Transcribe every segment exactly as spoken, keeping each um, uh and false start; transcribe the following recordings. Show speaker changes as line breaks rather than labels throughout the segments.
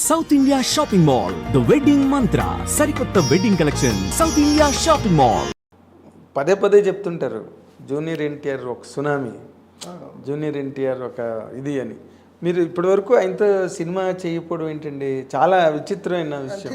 South India shopping mall the wedding mantra సరికొత్త wedding collection south India shopping mall.
పదే పదే చెప్తుంటారు జూనియర్ ఎన్టీఆర్ ఒక సునామీ, జూనియర్ ఎన్టీఆర్ ఒక ఇది అని. మీరు ఇప్పటివరకు ఆయనతో సినిమా చేయకపోవడం ఏంటండి? చాలా విచిత్రమైన విషయం.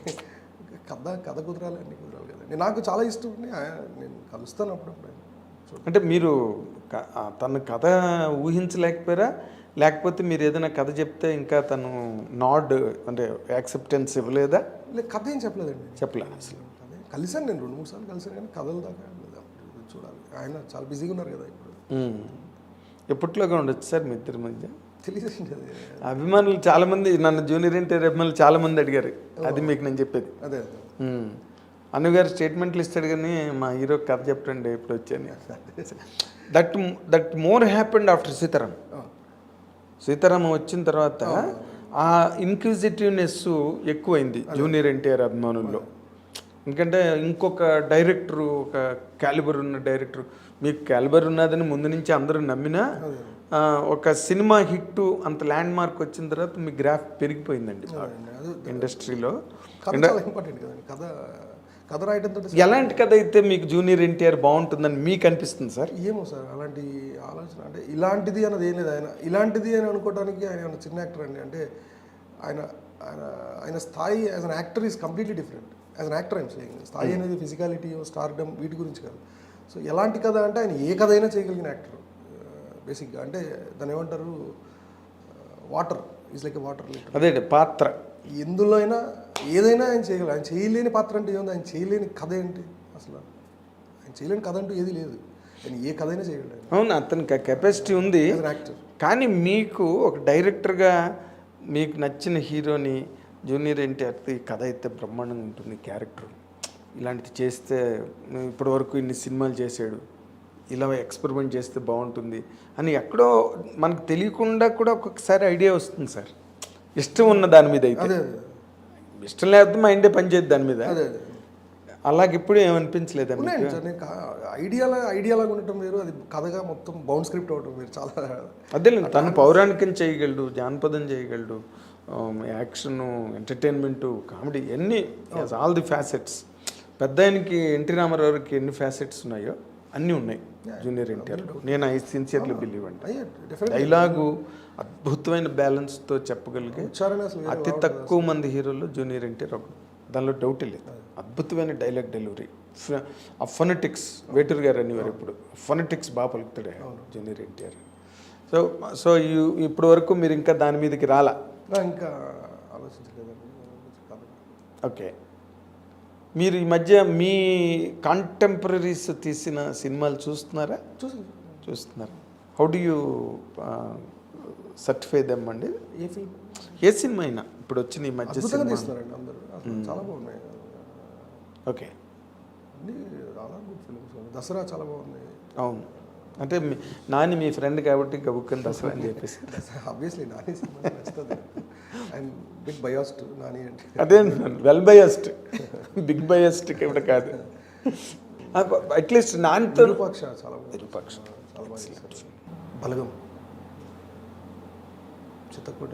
కథ కథ కుదరాలి, అన్ని కుదరాలి కదండి. నాకు చాలా ఇష్టం అండి, నేను కలుస్తాను అప్పుడప్పుడు.
అంటే మీరు తన కథ ఊహించలేకపోయారా, లేకపోతే మీరు ఏదైనా కథ చెప్తే ఇంకా తను నాడ్ అంటే యాక్సెప్టెన్స్ ఇవ్వలేదా?
లేదు, కథ ఏం చెప్పలేదండి.
చెప్పలే అసలు.
అదే కలిసాను, నేను రెండు మూడు సార్లు కలిసాను, కానీ కథల దాకా చూడాలి. ఆయన చాలా బిజీగా ఉన్నారు కదా ఇప్పుడు.
ఎప్పట్లోగా ఉండొచ్చు సార్ మీ ఇద్దరి మధ్య?
తెలియదండి.
అభిమానులు చాలా మంది నన్ను జూనియర్ ఎన్టీఆర్ అభిమానులు చాలా మంది అడిగారు, అది మీకు నేను చెప్పేది.
అదే
అన్నగారు స్టేట్మెంట్లు ఇస్తాడు కానీ మా హీరో కథ చెప్పండి ఎప్పుడు వచ్చాను. That that more happened after Sitaram. Sitaramam వచ్చిన తర్వాత ఆ ఇన్క్విజిటివ్నెస్ ఎక్కువైంది జూనియర్ ఎన్టీఆర్ అభిమానుల్లో. ఎందుకంటే ఇంకొక డైరెక్టరు, ఒక క్యాలిబర్ ఉన్న డైరెక్టర్, మీకు క్యాలిబర్ ఉన్నదని ముందు నుంచి అందరూ నమ్మినా ఒక సినిమా హిట్ అంత ల్యాండ్ మార్క్ వచ్చిన తర్వాత మీ గ్రాఫ్ పెరిగిపోయిందండి ఇండస్ట్రీలో.
కథ కథ రాయడంతో
ఎలాంటి కథ అయితే మీకు జూనియర్ ఎన్టీఆర్ బాగుంటుందని మీకు అనిపిస్తుంది సార్?
ఏమో సార్, అలాంటి ఆలోచన అంటే ఇలాంటిది అన్నది ఏం లేదు. ఆయన ఇలాంటిది అని అనుకోవడానికి ఆయన చిన్న యాక్టర్ అండి. అంటే ఆయన ఆయన ఆయన స్థాయి as an actor is completely different. As an actor ఆయన సేయింగ్ స్థాయి అనేది ఫిజికాలిటీ, స్టార్డమ్ వీటి గురించి కాదు. సో ఎలాంటి కథ అంటే ఆయన ఏ కథ అయినా చేయగలిగిన యాక్టర్ బేసిక్గా. అంటే దాన్ని ఏమంటారు, water is like a water.
అదే పాత్ర
ఎందులో అయినా ఏదైనా ఆయన చేయగలరు. ఆయన చేయలేని పాత్ర అంటే ఏముంది, ఆయన చేయలేని కథ ఏంటి అసలు? ఆయన చేయలేని కథ అంటూ ఏది లేదు. ఆయన ఏ కథ అయినా చేయగలరు.
అవును, అతనికి కెపాసిటీ ఉంది.
యాక్టర్.
కానీ మీకు ఒక డైరెక్టర్గా మీకు నచ్చిన హీరోని జూనియర్ ఎన్టీఆర్ ఈ కథ అయితే బ్రహ్మాండంగా ఉంటుంది, క్యారెక్టర్ ఇలాంటిది చేస్తే ఇప్పటి వరకు ఇన్ని సినిమాలు చేశాడు, ఇలా ఎక్స్పెరిమెంట్ చేస్తే బాగుంటుంది అని ఎక్కడో మనకు తెలియకుండా కూడా ఒక్కొక్కసారి ఐడియా వస్తుంది సార్. ఇష్టం ఉన్న దాని మీద అయితే, ఇష్టం లేకపోతే మైండే పనిచేయద్దు దాని మీద. అలాగే ఇప్పుడు ఏమనిపించలేదండి?
ఐడియాలా ఐడియాలాగా ఉండటం వేరు, అది కథగా మొత్తం బౌండ్ స్క్రిప్ట్ అవటం వేరు. చాలా
అదే తను పౌరాణికం చేయగలడు, జానపదం చేయగలడు, యాక్షన్, ఎంటర్టైన్మెంటు, కామెడీ, అన్నీ ఆల్ ది ఫ్యాసెట్స్. పెద్ద ఆయనకి ఎన్టీ రామారావుకి ఎన్ని ఫ్యాసెట్స్ ఉన్నాయో అన్నీ ఉన్నాయి జూనియర్ ఎన్టీఆర్లో. నేను ఐ సిన్సియర్లీ బిలీవ్ అండి. డైలాగు అద్భుతమైన బ్యాలెన్స్తో చెప్పగలిగే అతి తక్కువ మంది హీరోల్లో జూనియర్ ఎన్టీఆర్ ఒకడు, దానిలో డౌటే లేదు. అద్భుతమైన డైలాగ్ డెలివరీ, ఆ ఫొనెటిక్స్, వేటూరు గారు అనేవారు ఇప్పుడు, ఫొనెటిక్స్ బాగా పలుకుతాడే జూనియర్ ఎన్టీఆర్. సో సో ఇప్పటి వరకు మీరు ఇంకా దాని మీదకి రాలా?
ఇంకా ఆలోచించలేదండి.
ఓకే, మీరు ఈ మధ్య మీ కాంటెంపరీస్ తీసిన సినిమాలు చూస్తున్నారా?
చూసి
చూస్తున్నారు. How do you certify them అండి?
ఏ ఫిల్మ్,
ఏ సినిమా అయినా ఇప్పుడు వచ్చిన ఈ మధ్య
తీస్తున్నారండి అందరూ, చాలా బాగున్నాయి.
ఓకే,
అన్ని చాలా గుడ్ ఫిల్మ్స్. దసరా చాలా బాగుంది.
అవును, అంటే నాని మీ ఫ్రెండ్ కాబట్టి గబుక్కని దసరా అని చెప్పేసి.
ఆబ్వియస్లీ నాని సినిమా నచ్చుతుంది. ఐఎమ్ బిగ్ బయాస్డ్ నాని అంటే.
అదే వెల్ బయాస్డ్, బిగ్ బయాస్డ్ ఇక్కడ కాదు. అట్లీస్ట్ నానితో
విరూపాక్ష చాలా
విరూపాక్ష
చాలా బాగా. బలగం, చిత్తకోట,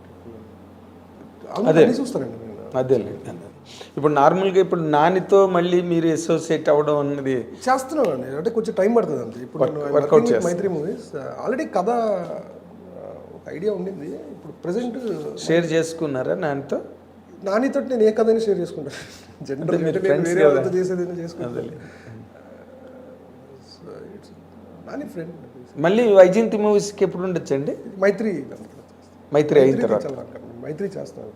అదే చూస్తానండి నేను.
అదే ఇప్పుడు నార్మల్గా ఇప్పుడు నానితో మళ్ళీ మీరు అసోసియేట్ అవ్వడం అన్నది
చేస్తున్నాను అండి. అంటే కొంచెం టైం పడుతుంది అంతే. ఇప్పుడు మైత్రి మూవీస్ ఆల్రెడీ కథ ఒక ఐడియా ఉండింది. ఇప్పుడు ప్రెసెంట్
షేర్ చేసుకున్నారా నానితో?
నానితో నేను ఏ కథని షేర్ చేసుకుంటాను. జనరల్ చేసేది చేసుకుంటాను. నాని ఫ్రెండ్.
మళ్ళీ వైజయంతి మూవీస్కి ఎప్పుడు ఉండొచ్చండి?
మైత్రి
మైత్రి అయిన తర్వాత
మైత్రి చేస్తాను.